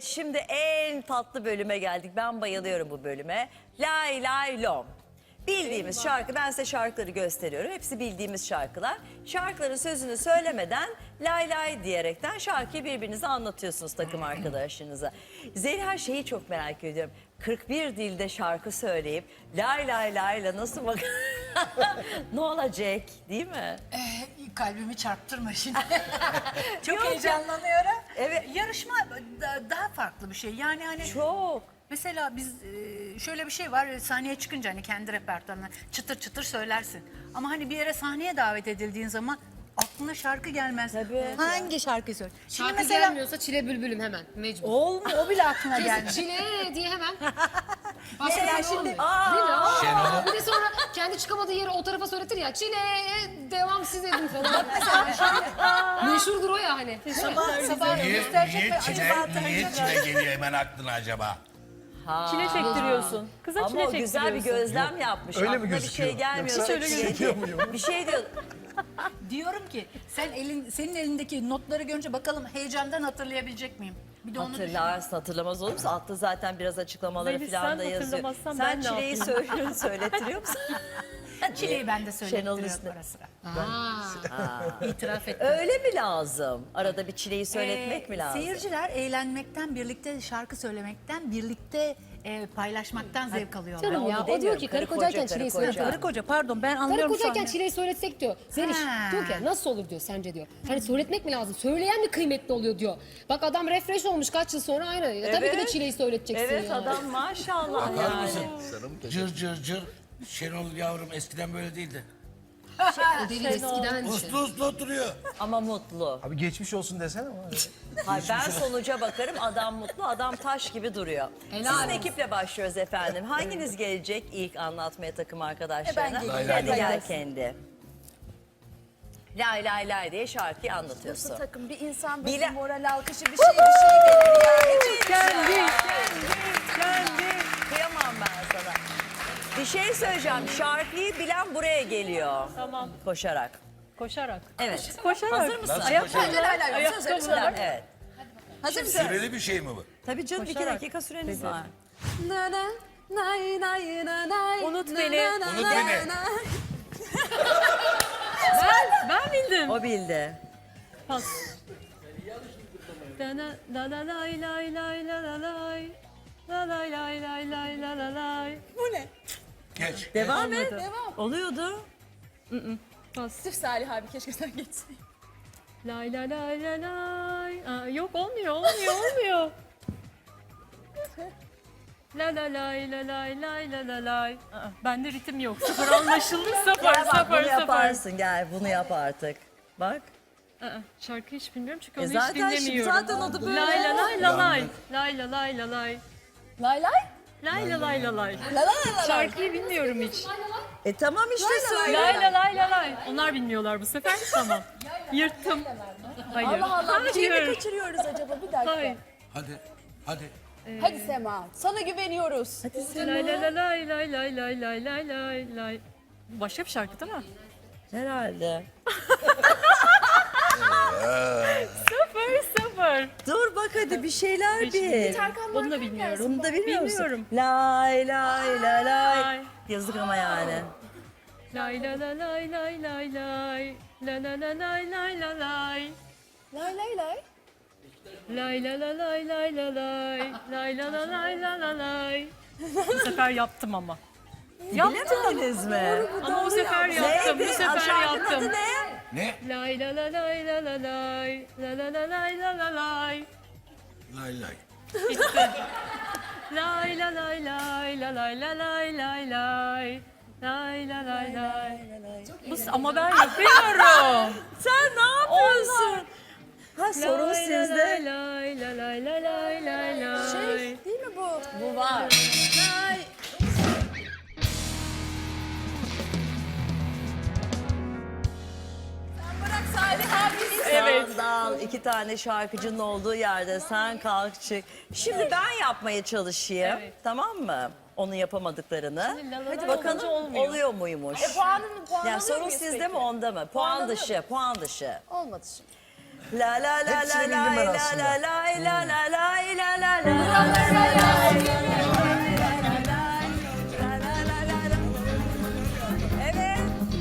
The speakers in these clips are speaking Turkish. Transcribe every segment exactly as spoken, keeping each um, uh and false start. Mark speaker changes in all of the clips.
Speaker 1: şimdi en tatlı bölüme geldik. Ben bayılıyorum bu bölüme. Lay lay lom. Bildiğimiz şarkı, ben size şarkıları gösteriyorum. Hepsi bildiğimiz şarkılar. Şarkıların sözünü söylemeden lay lay diyerekten şarkıyı birbirinize anlatıyorsunuz takım arkadaşınıza. Zeliha şeyi çok merak ediyorum. kırk bir dilde şarkı söyleyip lay lay layla nasıl bak... ne olacak değil mi?
Speaker 2: Ee, kalbimi çarptırma şimdi. Çok
Speaker 1: Yok.
Speaker 2: heyecanlanıyorum.
Speaker 1: Evet.
Speaker 2: Yarışma da- daha farklı bir şey. Yani hani
Speaker 1: Çok.
Speaker 2: mesela biz e, şöyle bir şey var. Sahneye çıkınca hani kendi repertuarına çıtır çıtır söylersin. Ama hani bir yere sahneye davet edildiğin zaman aklına şarkı gelmez.
Speaker 1: Tabii.
Speaker 2: Hangi şarkıyı söyle? Şimdi
Speaker 3: Şarkı
Speaker 2: mesela
Speaker 3: gelmiyorsa çile bülbülüm hemen mecbur.
Speaker 2: olmuyor. O bile aklına gelmez.
Speaker 3: Çile diye hemen. Başka
Speaker 2: Mesela
Speaker 3: bir şey
Speaker 2: şimdi-
Speaker 3: olmuyor. Değil mi? Aa!
Speaker 4: Şenol'u-
Speaker 3: Bir de sonra kendi çıkamadığı yeri o tarafa söyletir ya. Çile devam siz edin falan. Meşhurdur o ya hani.
Speaker 2: Sabah sabah
Speaker 4: Niye,
Speaker 2: gösterecek
Speaker 4: niye
Speaker 2: ve
Speaker 4: çile,
Speaker 2: acaba
Speaker 4: niye
Speaker 2: tanıyacak.
Speaker 4: çile geliyor hemen aklına acaba?
Speaker 5: Çile çektiriyorsun. Kıza
Speaker 1: Ama
Speaker 5: çile
Speaker 1: o
Speaker 5: çektiriyorsun.
Speaker 1: güzel bir gözlem yapmış.
Speaker 6: Öyle mi
Speaker 1: Aklına bir
Speaker 6: gözüküyor?
Speaker 1: şey gelmiyor.
Speaker 6: Yoksa
Speaker 1: bir şey
Speaker 6: gözüküyor
Speaker 1: diyor.
Speaker 6: muyum?
Speaker 1: Bir şey diyor.
Speaker 2: Diyorum ki sen elin senin elindeki notları görünce bakalım heyecandan hatırlayabilecek miyim? Bir de onu düşün.
Speaker 1: Hatırlarsın, hatırlamaz olur musun? Altta zaten biraz açıklamaları
Speaker 5: Zeliş,
Speaker 1: falan
Speaker 5: sen
Speaker 1: da yazıyor.
Speaker 5: hatırlamazsan
Speaker 1: Sen
Speaker 5: ben ne
Speaker 1: çileyi
Speaker 5: yapayım?
Speaker 1: söylüyorsun, söyletiriyor musun?
Speaker 2: Çileyi ben de
Speaker 1: Şenol
Speaker 2: söylettiriyorum
Speaker 1: üstüne.
Speaker 2: ara sıra.
Speaker 3: Aa.
Speaker 2: İtiraf ettim.
Speaker 1: Öyle mi lazım? Arada bir çileyi söyletmek
Speaker 2: Ee,
Speaker 1: mi lazım?
Speaker 2: Seyirciler eğlenmekten, birlikte şarkı söylemekten, birlikte e, paylaşmaktan zevk alıyorlar.
Speaker 3: Canım ya
Speaker 1: onu
Speaker 3: o diyor
Speaker 1: demiyorum.
Speaker 3: ki
Speaker 1: Karı
Speaker 3: karı
Speaker 1: koca,
Speaker 3: kocayken
Speaker 1: karı
Speaker 3: çileyi
Speaker 1: koca.
Speaker 3: söyletsek.
Speaker 2: Karı koca pardon ben
Speaker 3: Karı
Speaker 2: anlıyorum şu
Speaker 3: kocayken
Speaker 2: an.
Speaker 3: çileyi söyletsek diyor. Zeliş
Speaker 2: Ha.
Speaker 3: diyor ki nasıl olur diyor sence diyor. Hani söyletmek mi lazım? Söyleyen mi kıymetli oluyor diyor. Bak adam refresh olmuş kaç yıl sonra aynı. Ya tabii ki de
Speaker 1: Evet.
Speaker 3: çileyi söyleteceksin
Speaker 1: Evet
Speaker 3: yani.
Speaker 1: adam maşallah
Speaker 4: Bakar
Speaker 1: yani.
Speaker 4: mısın? Cır cır cır. Şenol yavrum eskiden böyle değildi.
Speaker 3: O devir eskiden bir şey.
Speaker 4: Uslu uslu oturuyor.
Speaker 1: Ama mutlu.
Speaker 6: Abi geçmiş olsun desene ama.
Speaker 1: Hayır, ben sonuca bakarım, adam mutlu, adam taş gibi duruyor.
Speaker 3: Helal
Speaker 1: Sizin
Speaker 3: olsun.
Speaker 1: ekiple başlıyoruz efendim. Hanginiz gelecek ilk anlatmaya takım arkadaşlarına?
Speaker 2: Ben
Speaker 4: geleyim.
Speaker 1: Hadi
Speaker 4: Lay
Speaker 1: gel
Speaker 4: lay
Speaker 1: kendi. Lay lay lay diye şarkıyı anlatıyorsun.
Speaker 7: Takım bir insan böyle
Speaker 1: Bile-
Speaker 7: bir moral alkışı bir şey bir şey gelir ya. Hiç
Speaker 1: Kendi, kendi. Kıyamam ben sana. Bir şey söyleyeceğim. Şarkıyı bilen buraya geliyor.
Speaker 5: Tamam.
Speaker 1: Koşarak.
Speaker 5: Koşarak.
Speaker 1: Evet.
Speaker 5: Koşarak.
Speaker 1: Hazır mısın?
Speaker 4: Nasıl
Speaker 1: Ayak-
Speaker 4: koşarak?
Speaker 7: Lay lay lay. Söz söyle, söyle.
Speaker 1: Evet.
Speaker 7: Hazır mısın?
Speaker 4: Süreli bir şey mi bu?
Speaker 1: Tabii canım iki
Speaker 5: Koşarak.
Speaker 1: dakika süreniz var.
Speaker 5: Unut beni.
Speaker 4: Unut beni.
Speaker 5: Ben bildim.
Speaker 1: O bildi.
Speaker 5: Pas. Da na- da la lay lay lay la la lay. La lay lay lay lay la la lay.
Speaker 4: Geç.
Speaker 1: Devam et.
Speaker 5: Devam.
Speaker 1: Oluyordu.
Speaker 5: Pas.
Speaker 7: Sırf Salih abi keşke sen geçsin.
Speaker 5: Lay la lay la lay. Aa, yok olmuyor olmuyor olmuyor. La la lay la lay lay la la lay. Aa, bende ritim yok. Sıfır anlaşıldı. Sıfır
Speaker 1: Gel bak
Speaker 5: sıfır
Speaker 1: bunu
Speaker 5: sıfır.
Speaker 1: yaparsın gel bunu yap artık. Bak.
Speaker 5: Aa, şarkıyı hiç bilmiyorum çünkü
Speaker 1: E
Speaker 5: onu
Speaker 1: zaten
Speaker 5: hiç
Speaker 1: şimdi-
Speaker 5: dinlemiyorum.
Speaker 1: zaten o da böyle.
Speaker 5: Lay la lay la lay. Lay la lay la lay.
Speaker 7: Lay lay.
Speaker 5: Lay la lay la lay.
Speaker 7: La la la la.
Speaker 5: Şarkıyı bilmiyorum hiç.
Speaker 1: E tamam işte söyle.
Speaker 5: Lay la lay la lay. Onlar bilmiyorlar bu sefer. Tamam. Yırttım. Hayır.
Speaker 7: Allah Allah bir şey mi
Speaker 5: Hayır.
Speaker 7: kaçırıyoruz acaba bir dakika.
Speaker 5: Hayır.
Speaker 4: Hadi. Hadi.
Speaker 7: Hadi Sema sana güveniyoruz.
Speaker 5: Lay la la lay lay lay lay lay lay lay lay. Başka bir şarkı değil mi?
Speaker 1: Herhalde.
Speaker 5: Sıfır sıfır.
Speaker 1: Dur bak hadi bir şeyler bil.
Speaker 5: Bunu da bilmiyorum.
Speaker 1: Bunu da bilmiyor musun?
Speaker 5: Bilmiyorum.
Speaker 1: Lay lay lay lay.
Speaker 5: Lay.
Speaker 1: Yazık ama yani.
Speaker 5: Lay la la lay lay lay lay. La la la lay lay la lay.
Speaker 7: Lay lay lay.
Speaker 5: Lay la la lay lay la lay. Lay la la lay la la lay. Bu sefer yaptım ama.
Speaker 1: Bilemediniz mi?
Speaker 5: Ama bu sefer yaptım. Bu
Speaker 1: Neydi?
Speaker 5: sefer
Speaker 1: Şarkının adı
Speaker 5: yaptım.
Speaker 1: ne?
Speaker 4: Ne?
Speaker 5: Lay la la lay la la lay. La la la lay la la lay.
Speaker 4: Lay lay.
Speaker 5: Lay la lay lay la lay la lay lay lay. Lay la lay lay. Bu, ama ben yapıyorum.
Speaker 1: Sen ne yapıyorsun? Ha sorun
Speaker 5: Lay la
Speaker 1: sizde.
Speaker 5: lay lay la lay la lay lay lay.
Speaker 7: Şey değil mi bu?
Speaker 1: Bu var.
Speaker 7: Lay. Sen bırak Salih abi.
Speaker 5: Evet.
Speaker 1: Sandal, iki tane şarkıcının olduğu yerde sen kalk çık. Şimdi ben yapmaya çalışayım.
Speaker 5: Evet.
Speaker 1: Tamam mı? Onun yapamadıklarını.
Speaker 5: Hadi
Speaker 1: Hadi
Speaker 5: olunca
Speaker 1: bakalım
Speaker 5: olmuyor.
Speaker 1: oluyor muymuş?
Speaker 7: E puanını puan
Speaker 1: Yani
Speaker 7: alıyor
Speaker 1: sorun
Speaker 7: muyuz
Speaker 1: sizde
Speaker 7: peki?
Speaker 1: mi onda mı? Puan
Speaker 7: Puan alıyor
Speaker 1: dışı, puan dışı.
Speaker 7: Olmadı şimdi.
Speaker 1: La la la la
Speaker 6: Hepsini bildim
Speaker 1: la
Speaker 6: ben
Speaker 1: la
Speaker 6: aslında.
Speaker 1: la la la la la la la la. Evet.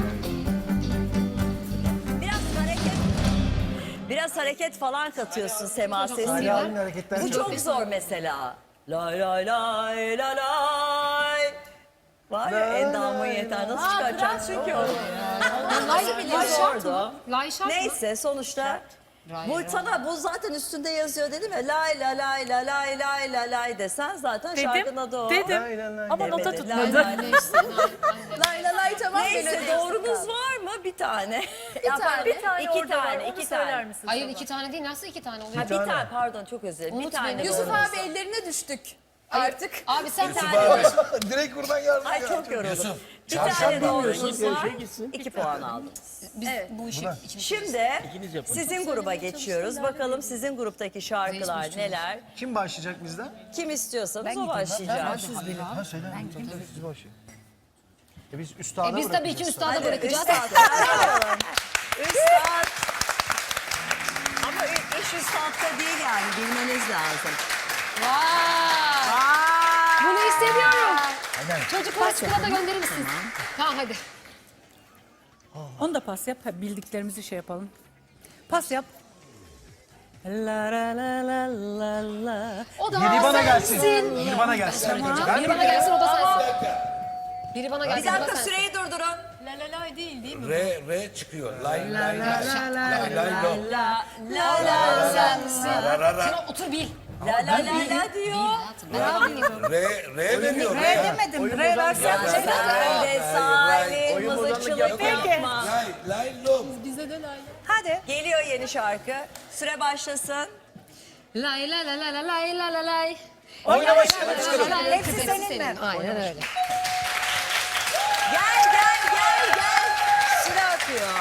Speaker 1: Biraz hareket. Biraz hareket falan katıyorsun Sema sesine.
Speaker 6: Saliha'nın hareketler
Speaker 1: Bu çok zor mesela. Lay lay lay lay lay. Var ya endamın yeter. Nasıl çıkaracaksın çünkü onu?
Speaker 3: Lay şart
Speaker 1: Zordu.
Speaker 3: mı? Lay şart mı?
Speaker 1: Neyse sonuçta bu sana bu zaten üstünde yazıyor dedim ya lay la lay la lay lay la lay desen zaten şarkının adı o.
Speaker 5: Dedim.
Speaker 6: Lay lay lay.
Speaker 5: Ama nota
Speaker 1: Demedi.
Speaker 5: tutmadı.
Speaker 1: Lay lay lay.
Speaker 7: Lay lay lay tamam.
Speaker 1: Neyse
Speaker 7: melodi
Speaker 1: doğrunuz
Speaker 7: eksik
Speaker 1: var mı? Bir tane.
Speaker 7: Bir tane.
Speaker 5: Bir tane
Speaker 1: İki
Speaker 5: orada var,
Speaker 1: tane,
Speaker 5: onu
Speaker 1: iki
Speaker 5: söyler
Speaker 1: tane.
Speaker 5: misin?
Speaker 3: Hayır iki tane değil nasıl iki tane oluyor?
Speaker 1: Ha, bir tane pardon çok özür dilerim. Bir
Speaker 3: Unut
Speaker 1: tane
Speaker 3: beni.
Speaker 7: Yusuf
Speaker 1: doğrunuz
Speaker 7: abi
Speaker 1: var.
Speaker 7: ellerine düştük.
Speaker 3: Hayır.
Speaker 7: Artık.
Speaker 3: Abi sen
Speaker 4: Yusuf
Speaker 3: tane
Speaker 4: abi.
Speaker 6: Direkt buradan yardım
Speaker 1: Ay
Speaker 6: ya.
Speaker 1: çok yoruldum.
Speaker 4: Yusuf,
Speaker 1: Bir tane
Speaker 4: çarşamba.
Speaker 1: doğrunuz var. İki puan aldınız.
Speaker 3: biz bu işi içimiz.
Speaker 1: Şimdi sizin gruba geçiyoruz. Bakalım sizin gruptaki şarkılar neler?
Speaker 6: Kim başlayacak bizden?
Speaker 1: Kim istiyorsanız o başlayacak.
Speaker 6: Ha söyle. Tabii, siz başlayın. E biz üstada
Speaker 3: E biz tabii ki
Speaker 6: bırakacağız.
Speaker 3: üstada bırakacağız.
Speaker 1: Üstad. Üstad. Üstad. Ama iş üstadta değil yani bilmeniz lazım.
Speaker 3: Vay! Bunu istemiyorum.
Speaker 6: Aynen.
Speaker 3: Çocuklar çikolata gönderir misiniz? Tamam hadi.
Speaker 5: Onu da pas yap. Ha, bildiklerimizi şey yapalım. Pas yap. La la la la la la.
Speaker 3: O da
Speaker 6: Biri bana
Speaker 3: sensin.
Speaker 6: gelsin. Biri bana gelsin. Ben
Speaker 3: Biri bana gelsin o da sensin. Biri bana
Speaker 1: Bir
Speaker 3: gelsin o da
Speaker 1: dakika
Speaker 3: sensin.
Speaker 1: süreyi durdurun.
Speaker 4: R, R çıkıyor. Lay lay lay. Lay lay lom.
Speaker 1: La la la sensin.
Speaker 4: Ra ra ra.
Speaker 3: Sen otur bil.
Speaker 1: La la la la diyor.
Speaker 3: Hayatım ben devam ediyorum.
Speaker 4: R, R veriyor. R
Speaker 2: Demedim. Re versen.
Speaker 1: Sen de salim mızıkçılık yapma.
Speaker 4: Lay lay lom.
Speaker 2: Hadi.
Speaker 1: Geliyor yeni şarkı. Süre başlasın.
Speaker 3: Lay la la la la lay la la lay.
Speaker 6: Oynamış.
Speaker 3: Hepsi senin mi? Aynen öyle.
Speaker 1: Gel gel gel gel. Süre akıyor.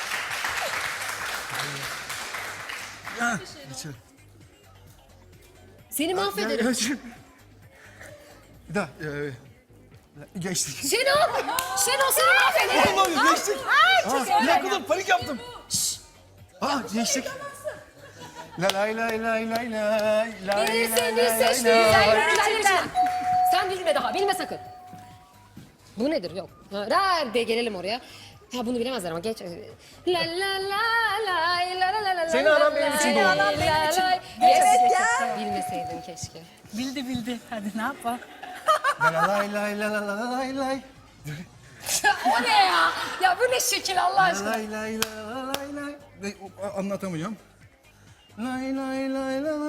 Speaker 3: Seni mahvederim.
Speaker 6: Bir daha. e, Geçtik.
Speaker 3: Şenol! Şenol seni mahvederim.
Speaker 6: Oğlum geçtik. Aa, bir dakika dur panik yaptım. Aa geçtik. La lay lay lay lay lay lay
Speaker 3: Biri
Speaker 6: lay
Speaker 3: seni
Speaker 6: lay
Speaker 3: seçti.
Speaker 6: lay.
Speaker 3: Sen gerçekten. Sen bilme daha. Bilme sakın. Bu nedir? Yok. Ha, ra de gelelim oraya. Ha bunu bilemezler ama geç. La la la la la la la la.
Speaker 6: Senin anan benim için doğdu.
Speaker 3: Senin anan benim için.
Speaker 1: Evet ya.
Speaker 3: Bilmeseydin keşke.
Speaker 5: Bildi bildi. Hadi ne yapalım?
Speaker 6: La lay lay la la la lay lay.
Speaker 3: O ne ya? Ya bu ne şekil Allah
Speaker 6: La
Speaker 3: aşkına.
Speaker 6: lay lay la la lay lay. Ve o- anlatamayacağım. Lay lay lay la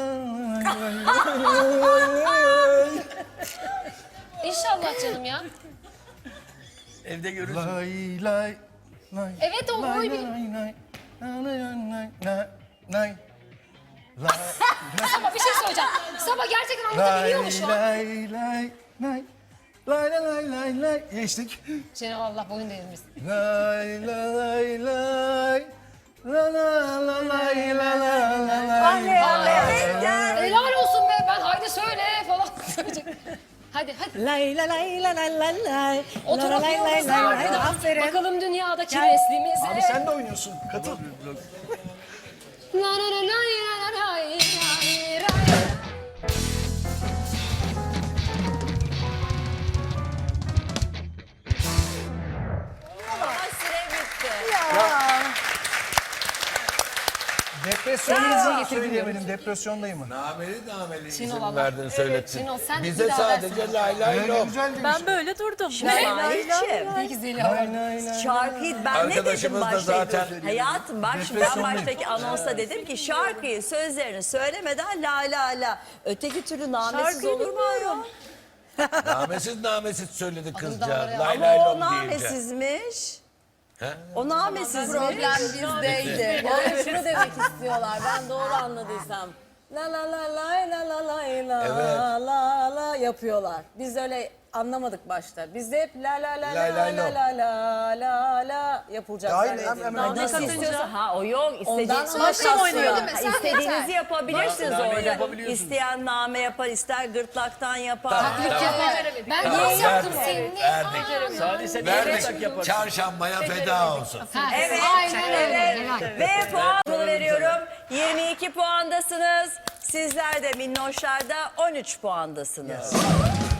Speaker 6: lay.
Speaker 3: İnşallah canım ya.
Speaker 4: Evde görürsün.
Speaker 6: Lay lay lay.
Speaker 3: Evet o
Speaker 6: Lay
Speaker 3: oy
Speaker 6: lay
Speaker 3: bir.
Speaker 6: lay lay lay lay lay lay. Lay
Speaker 3: Sabah bir şey söyleyeceğim. Sabah gerçekten anlatabiliyor mu şu an?
Speaker 6: lay lay lay. Lay lay lay lay lay. Geçtik.
Speaker 3: Şenol Allah boyun devrilmesin.
Speaker 6: Lay lay lay. La la la lay la la la lay.
Speaker 1: Evet gel.
Speaker 3: Helal olsun be ben haydi söyle falan söyleyecek. Hadi hadi.
Speaker 5: Lay la lay la la la lay.
Speaker 3: Oturup
Speaker 5: lay, lay,
Speaker 3: yiyoruz
Speaker 5: lay, lay.
Speaker 3: artık.
Speaker 5: Aferin.
Speaker 3: Bakalım dünyadaki resmimize.
Speaker 6: Abi sen de oynuyorsun. Katıl.
Speaker 3: La la la lay la la lay lay lay.
Speaker 1: Ama süre bitti.
Speaker 6: Depresyondayım. Söyleyemedim. Depresyondayım.
Speaker 4: Nameli nameli
Speaker 3: Şenol
Speaker 4: izin
Speaker 3: Allah.
Speaker 4: verdin söylettin.
Speaker 3: Şenol, sen
Speaker 4: Bize
Speaker 3: bir daha
Speaker 4: sadece lay lay
Speaker 6: Öyle
Speaker 4: lom.
Speaker 6: güzel demiş.
Speaker 5: Ben böyle durdum.
Speaker 1: Şahitçim.
Speaker 3: Peki Zeliha.
Speaker 6: Lay lay lay.
Speaker 1: Şarkıyı ben ne dedim
Speaker 4: Arkadaşımız da
Speaker 1: başta?
Speaker 4: zaten-
Speaker 1: Hayatım bak şimdi ben
Speaker 6: Depresyondayım.
Speaker 1: baştaki anonsa dedim ki şarkıyı sözlerini söylemeden la la la. Öteki türlü namesiz
Speaker 5: Şarkıyı
Speaker 1: olur mu ayol?
Speaker 4: Namesiz namesiz söyledi kızcağız.
Speaker 3: ya.
Speaker 4: Lay
Speaker 1: Ama
Speaker 4: lay
Speaker 1: o
Speaker 4: lom deyince.
Speaker 1: namesizmiş.
Speaker 4: He?
Speaker 1: O namesizmiş.
Speaker 7: Problem bizdeydi. Yani şunu demek istiyorlar. Ben doğru anladıysam. La la la la la la la la
Speaker 4: Evet.
Speaker 7: la la yapıyorlar. Biz öyle anlamadık başta. Bizde hep la la la
Speaker 4: Lay
Speaker 7: la
Speaker 4: lay
Speaker 7: la
Speaker 4: lom.
Speaker 7: la la la la yapılacak.
Speaker 6: Hayır,
Speaker 7: zannedildi.
Speaker 6: hem- hem-
Speaker 1: Nasıl istiyorsa ha o yok
Speaker 7: Ondan
Speaker 1: istediğiniz
Speaker 7: sonra oynuyor değil mi?
Speaker 1: Ha,
Speaker 7: Sen
Speaker 1: İstediğinizi
Speaker 7: yeter.
Speaker 1: yapabilirsiniz
Speaker 4: Nameyi
Speaker 1: orada.
Speaker 4: yapabiliyorsunuz.
Speaker 1: İsteyen name yapar, ister gırtlaktan yapar.
Speaker 3: Taklit yapar. Ben
Speaker 4: Tamam,
Speaker 3: dans yaptım
Speaker 4: verdik,
Speaker 3: seni.
Speaker 4: verdik. Verdik. Çarşambaya feda olsun.
Speaker 3: Ha,
Speaker 1: Evet,
Speaker 3: aynen öyle.
Speaker 1: evet.
Speaker 3: Helal.
Speaker 1: Ve puan veriyoruz. yirmi iki puandasınız. Sizler de minnoşlarda on üç puandasınız.